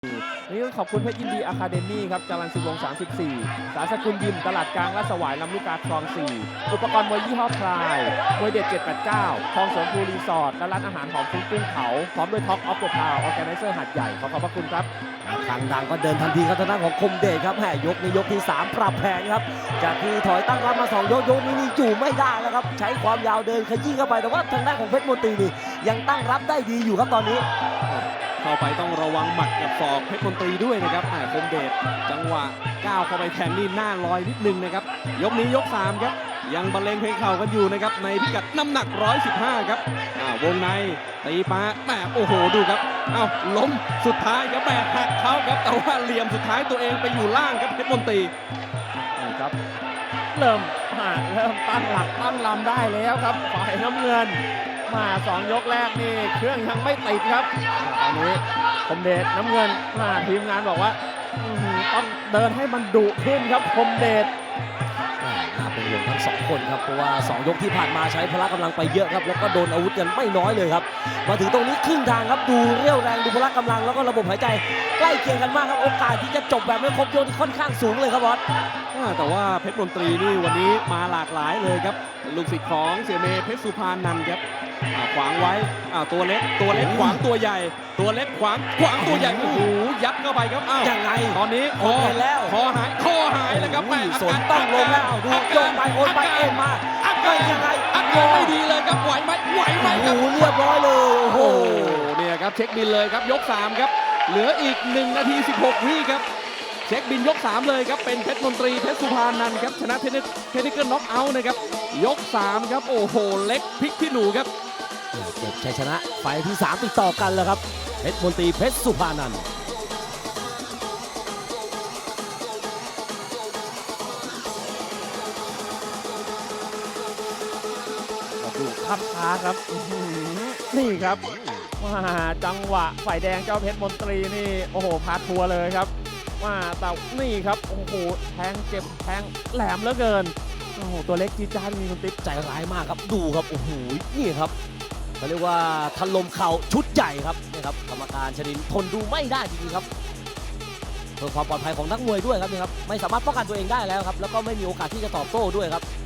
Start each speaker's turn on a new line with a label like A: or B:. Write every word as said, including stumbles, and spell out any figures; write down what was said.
A: นี่ต้องขอบคุณเพชรยินดีอะคาเดมี่ครับจรัญสุวงศ์สามสิบสี่สารสกุลยิมตลาดกลางลาดสวายลำลูกกาคลองสี่อุปกรณ์มวยยี่ห้อพลายมวยเด็ดเจ็ดแปดเก้าคลองสวนภูรีสอร์ทและร้านอาหารหอมฟุ้งกุ้งเผาพร้อมด้วยท็อกออฟเดอะทาวน์ออร์แกไนเซอร์หัดใหญ่ขอขอบพระคุณครับ
B: ทางดังก็เดินทันทีครับทางด้านของคมเดชครับแหมยกนี้ยกที่สามปรับแผนครับจากที่ถอยตั้งรับมาสองยกยกนี้นี่อยู่ไม่ได้แล้วครับใช้ความยาวเดินขยี้เข้าไปแต่ว่าทางด้านของเพชรมนตรีนี่ยังตั้งรับได้ดีอยู่ครับตอนนี้
C: เข้าไปต้องระวังหมัดกับศอกเพชรมนตรีด้วยนะครับแหมคมเดชจังหวะก้าวเข้าไปแทงนี่หน้าลอยนิดนึงนะครับยกนี้ยกสามครับยังบรรเลงเพลงเข่ากันอยู่นะครับในพิกัดน้ำหนักหนึ่งร้อยสิบห้าครับอ้าววงในตีปาแหมโอ้โหดูครับอ้าวล้มสุดท้ายครับแหมหักเขาครับแต่ว่าเหลี่ยมสุดท้ายตัวเองไปอยู่ล่างครับเพชรมนตรี
A: นี่ครับเริ่มเริ่มตั้งหลักตั้งลำได้แล้วครับฝ่ายน้ำเงินมาสองยกแรกนี่เครื่องยังไม่ติดครับตอนนี้คมเดชน้ำเงินมาทีมงานบอกว่าต้องเดินให้มันดุขึ้นครับคมเดช
B: น่าเป็นห่วงทั้งสองคนครับเพราะว่าสองยกที่ผ่านมาใช้พละกำลังไปเยอะครับแล้วก็โดนอาวุธกันไม่น้อยเลยครับมาถึงตรงนี้ครึ่งทางครับดูเรี่ยวแรงดูพละกำลังแล้วก็ระบบหายใจใกล้เคียงกันมากครับโอกาสที่จะจบแบบไม่ครบยกที่ค่อนข้างสูงเลยครับบอส
C: แต่ว่าเพชรมนตรีนี่วันนี้มาหลากหลายเลยครับลูกศิษย์ของเสี่ยเมย์เพชรสุพรรณนันท์ครับขวางไว้ตัวเล็กตัวเล็กขวางตัวใหญ่ตัวเล็กขวางขวางตัวใหญ่โอ้โหยัดเข้าไปครับอ้าว
B: ยังไง
C: ตอนนี้คอ
B: แล้ว
C: คอหายคอหายแล้วครับแม่
B: สนต้องลงแล้วดูโยนไปโอนไปเอ็นมา
C: อาการยังไงอาการไม่ดีเลยครับไหวไหมไหวไหมครับ
B: เรียบร้อยเลยโอ้โห
C: เนี่ยครับเช็คบินเลยครับยกสามครับเหลืออีกหนึ่งนาทีสิบหกวิครับเช็คบินยกสามเลยครับเป็นเพชรมนตรีเพชรสุพรรณนันท์ครับชนะเทนนิสเกิลน็อกเอาท์นะครับยกสามครับโอ้โหเล็กพลิกพี่หนูครับ
B: เก็บชัยชนะไฟที่สามติดต่อกันแล้วครับเพชรมนตรีเพชรสุพรรณนันท์
A: ดูคับช้าครับนี่ครับว่าจังหวะฝ่ายแดงเจ้าเพชรมนตรีนี่โอ้โหพาทัวร์เลยครับว่าแต่นี่ครับโอ้โหแทงเจ็บแทงแหลมเหลือเกินโอ้โหตัวเล็กจีจ้ามีคนติ๊บ
B: ใจร้ายมากครับดูครับโอ้โหนี่ครับเขาเรียกว่าถล่มเข่าชุดใหญ่ครับนี่ครับกรรมการชนินทนดูไม่ได้จริงๆครับเพื่อความปลอดภัยของนักมวยด้วยครับนี่ครับไม่สามารถป้องกันตัวเองได้แล้วครับแล้วก็ไม่มีโอกาสที่จะตอบโต้ด้วยครับ